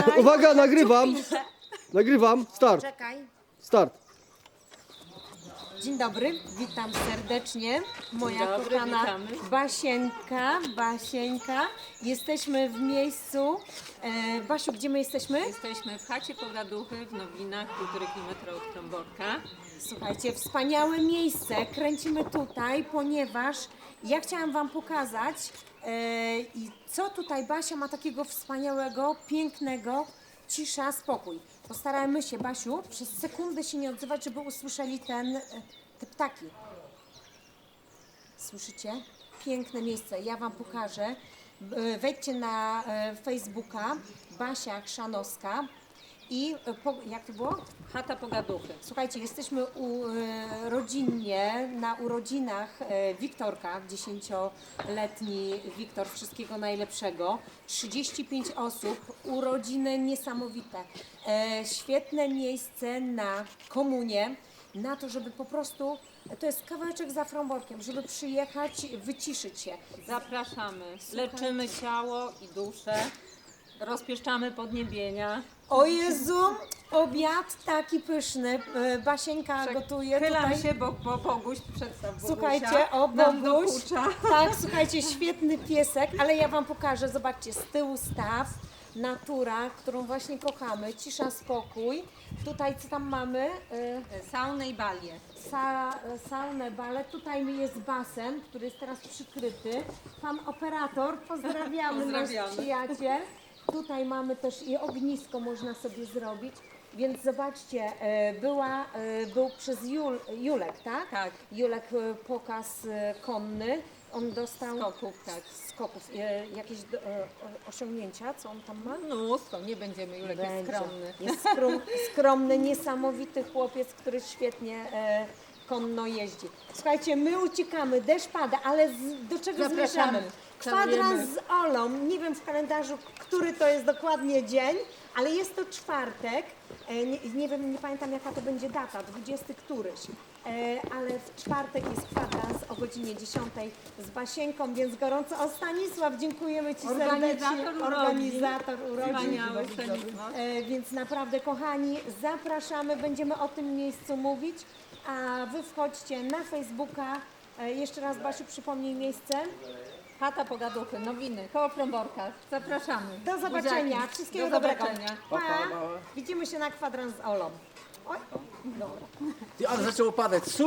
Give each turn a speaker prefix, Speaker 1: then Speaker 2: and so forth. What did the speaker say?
Speaker 1: Uwaga, nagrywam. Nagrywam. Start.
Speaker 2: Czekaj.
Speaker 1: Start.
Speaker 2: Dzień dobry, witam serdecznie. Moja
Speaker 3: Dzień dobry,
Speaker 2: kochana
Speaker 3: witamy.
Speaker 2: Basieńka. Jesteśmy w miejscu. Basiu, gdzie my jesteśmy?
Speaker 3: Jesteśmy w chacie Pogaduchy w Nowinach, 1,5 km od Trąborka.
Speaker 2: Słuchajcie, wspaniałe miejsce. Kręcimy tutaj, ponieważ ja chciałam Wam pokazać, i co tutaj Basia ma takiego wspaniałego, pięknego. Cisza, spokój. Postarajmy się, Basiu, przez sekundę się nie odzywać, żeby usłyszeli te ptaki. Słyszycie? Piękne miejsce. Ja Wam pokażę. Wejdźcie na Facebooka Basia Chrzanowska i jak to było?
Speaker 3: Chata Pogaduchy.
Speaker 2: Słuchajcie, jesteśmy rodzinnie na urodzinach Wiktorka, 10-letni Wiktor, wszystkiego najlepszego. 35 osób, urodziny niesamowite. Świetne miejsce na komunię, na to, żeby po prostu, to jest kawałeczek za Frąborkiem, żeby przyjechać, wyciszyć się.
Speaker 3: Zapraszamy. Leczymy ciało i duszę. Rozpieszczamy podniebienia.
Speaker 2: O Jezu, obiad taki pyszny, Basieńka gotuje
Speaker 3: Chylam
Speaker 2: tutaj.
Speaker 3: się, bo Boguś przedstaw Bogusia.
Speaker 2: Słuchajcie, o
Speaker 3: nam
Speaker 2: Boguś,
Speaker 3: dokucza.
Speaker 2: tak, słuchajcie, świetny piesek, ale ja Wam pokażę, zobaczcie, z tyłu staw, natura, którą właśnie kochamy, cisza, spokój. Tutaj co tam mamy?
Speaker 3: Saunę i balię.
Speaker 2: Saunę, balet, tutaj jest basen, który jest teraz przykryty. Pan operator, pozdrawiamy, nasz
Speaker 3: Pozdrawiamy.
Speaker 2: przyjaciel. Tutaj mamy też i ognisko można sobie zrobić. Więc zobaczcie, był przez Julek, tak?
Speaker 3: Tak.
Speaker 2: Julek pokaz konny. On dostał
Speaker 3: Skoków, tak.
Speaker 2: skoków. Jakieś osiągnięcia, co on tam ma?
Speaker 3: Mnóstwo, nie będziemy, Julek jest
Speaker 2: Będzie.
Speaker 3: skromny.
Speaker 2: Jest skromny, niesamowity chłopiec, który świetnie konno jeździ. Słuchajcie, my uciekamy, deszcz pada, ale do czego
Speaker 3: Zapraszamy.
Speaker 2: zmierzamy? Kwadrans z Olą. Nie wiem w kalendarzu, który to jest dokładnie dzień, ale jest to czwartek. Nie wiem, nie pamiętam jaka to będzie data, 20 któryś. Ale w czwartek jest kwadrans o godzinie 10 z Basieńką, więc gorąco. O, Stanisław, dziękujemy Ci serdecznie. Organizator urodzin.
Speaker 3: Wspaniały Stanisław.
Speaker 2: Więc naprawdę, kochani, zapraszamy, będziemy o tym miejscu mówić, a Wy wchodźcie na Facebooka. Jeszcze raz, Basiu, przypomnij miejsce.
Speaker 3: Chata Pogaduchy, Nowiny, koło Trąborka. Zapraszamy.
Speaker 2: Do zobaczenia,
Speaker 3: Buziaki.
Speaker 2: wszystkiego
Speaker 3: Do
Speaker 2: dobrego.
Speaker 3: zobaczenia.
Speaker 2: Pa. Widzimy się na kwadrans z Olą. Oj, dobra.
Speaker 4: Ty, ale zaczęło padać.